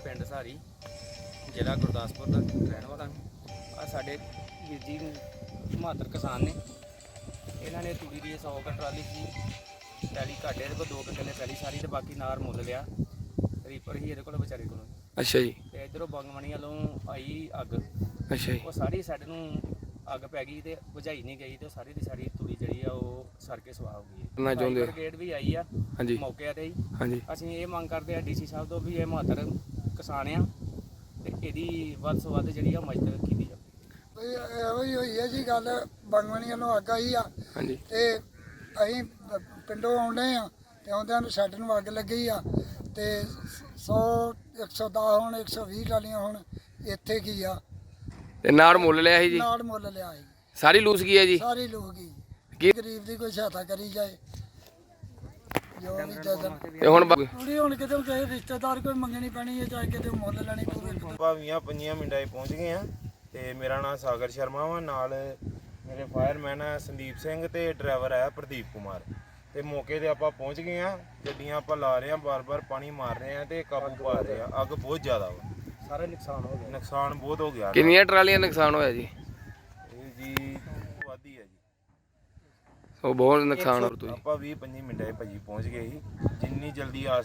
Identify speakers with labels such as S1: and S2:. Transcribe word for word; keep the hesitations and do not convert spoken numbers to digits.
S1: ਪਿੰਡ ਸਾਰੀ, ਜ਼ਿਲ੍ਹਾ ਗੁਰਦਾਸਪੁਰ ਦਾ ਰਹਿਣ ਵਾਲਾ। ਆ ਸਾਡੇ ਵੀਰ ਜੀ ਮਾਤਰ ਕਿਸਾਨ ਨੇ, ਇਹਨਾਂ ਨੇ ਤੂੜੀ ਦੀ ਸੌ ਕੁ ਟਰਾਲੀ ਸੀ ਪੈਲੀ ਘਾਟੇ ਇਹਦੇ ਕੋਲ ਦੋ ਕੁ ਕਿੱਲੇ ਪੈਲੀ ਸਾਰੀ, ਤੇ ਬਾਕੀ ਨਾਰ ਮੁੱਲ ਲਿਆ। ਰੀਪਰ ਹੀ ਇਹਦੇ ਕੋਲ ਵਿਚਾਰੇ ਕੋਲ।
S2: ਅੱਛਾ ਜੀ।
S1: ਤੇ ਇੱਧਰੋਂ ਬੰਗਮਣੀ ਵੱਲੋਂ ਆਈ ਅੱਗ।
S2: ਅੱਛਾ ਜੀ।
S1: ਉਹ ਸਾਰੀ ਸਾਡੇ ਨੂੰ ਅੱਗ ਪੈ ਗਈ ਤੇ ਬੁਝਾਈ ਨਹੀਂ ਗਈ, ਤੇ ਸਾਰੀ ਦੀ ਸਾਰੀ ਤੂੜੀ ਜਿਹੜੀ ਆ ਉਹ ਸੜ ਕੇ ਸੁਆਹ ਹੋ ਗਈ।
S2: ਕਰਨਾ ਚਾਹੁੰਦੇ ਹੋ?
S1: ਬ੍ਰਿਗੇਡ ਵੀ ਆਈ ਆ
S2: ਹਾਂਜੀ
S1: ਮੌਕੇ ਤੇ ਹੀ।
S2: ਹਾਂਜੀ।
S1: ਅਸੀਂ ਇਹ ਮੰਗ ਕਰਦੇ ਆ ਡੀਸੀ ਸਾਹਿਬ ਤੋਂ ਵੀ ਇਹ ਮਹੱਤਰ ਕਿਸਾਨ ਆ ਤੇ ਇਹਦੀ ਵੱਧ ਤੋਂ ਵੱਧ ਜਿਹੜੀ ਆ ਮਦਦ ਕੀਤੀ ਜਾਵੇ।
S3: ਇਹੋ ਹੀ ਹੋਈ ਹੈ ਜੀ ਗੱਲ, ਬੰਗਮਣੀ ਵੱਲੋਂ ਅੱਗ ਆਈ ਆ
S2: ਹਾਂਜੀ।
S3: ਤੇ ਅਸੀਂ ਪਿੰਡੋਂ ਆਉਂਦੇ ਆ ਤੇ ਆਉਂਦਿਆਂ ਨੂੰ ਸਾਡੇ ਨੂੰ ਅੱਗ ਲੱਗੀ ਆ ਤੇ ਸੌ ਇੱਕ ਸੌ ਦਸ ਹੁਣ ਇੱਕ ਸੌ ਵੀਹ ਟਾਲੀਆਂ ਹੁਣ ਇੱਥੇ ਕੀ ਆ
S2: ਤੇ ਨਾੜ ਮੁੱਲ ਲਿਆ ਸੀ ਜੀ?
S3: ਨਾਲ ਮੁੱਲ ਲਿਆ ਸੀ,
S2: ਸਾਰੀ ਲੂਸ ਗਈ ਹੈ ਜੀ?
S3: ਸਾਰੇ ਲੋਕ ਹੀ।
S2: ਕੀ
S3: ਗਰੀਬ ਦੀ ਕੋਈ ਸਹਾਇਤਾ ਕਰੀ ਜਾਏ ਜੋ ਵੀ ਜਦਨ
S2: ਤੇ ਹੁਣ ਬ-
S3: ਪੂਰੀ ਹੁਣ ਕਿਤੇ ਕਿਸੇ ਰਿਸ਼ਤੇਦਾਰ ਕੋਈ ਮੰਗਣੀ ਪੈਣੀ ਹੈ, ਚਾਹੇ ਕਿਤੇ ਮੁੱਲ ਲੈਣੀ ਪਵੇ।
S4: ਭਾਵੀਆਂ ਪੰਜੀਆਂ ਮਿੰਟਾਂ 'ਚ ਪਹੁੰਚ ਗਏ ਆ ਤੇ ਮੇਰਾ ਨਾਮ ਸਾਗਰ ਸ਼ਰਮਾ ਵਾ, ਨਾਲ ਮੇਰੇ ਫਾਇਰਮੈਨ ਆ ਸੰਦੀਪ ਸਿੰਘ ਤੇ ਡਰਾਈਵਰ ਆ ਪ੍ਰਦੀਪ ਕੁਮਾਰ। ਤੇ ਮੌਕੇ ਤੇ ਆਪਾਂ ਪਹੁੰਚ ਗਏ ਆ, ਗੱਡੀਆਂ ਆਪਾਂ ਲਾ ਰਹੇ ਆ, ਬਾਰ-ਬਾਰ ਪਾਣੀ ਮਾਰ ਰਹੇ ਆ ਤੇ ਕਾਬੂ ਪਾ ਰਹੇ ਆ। ਅੱਗ ਬਹੁਤ ਜ਼ਿਆਦਾ ਵਾ,
S1: ਸਾਰਾ ਨੁਕਸਾਨ ਹੋ ਗਿਆ।
S4: ਨੁਕਸਾਨ ਬਹੁਤ ਹੋ ਗਿਆ।
S2: ਕਿੰਨੀਆਂ ਟਰਾਲੀਆਂ ਨੁਕਸਾਨ ਹੋਇਆ ਜੀ?
S4: ਇਹ ਜੀ ਵਾਦੀ ਆ ਜੀ।
S2: ਉਹ ਬਹੁਤ ਨੁਕਸਾਨ ਹੋ ਰਿਹਾ।
S4: ਆਪਾਂ ਵੀਹ ਪੰਜੀ ਮਿੰਟਾਂ 'ਚ ਭਾਜੀ ਪਹੁੰਚ ਗਏ ਸੀ, ਜਿੰਨੀ ਜਲਦੀ ਆ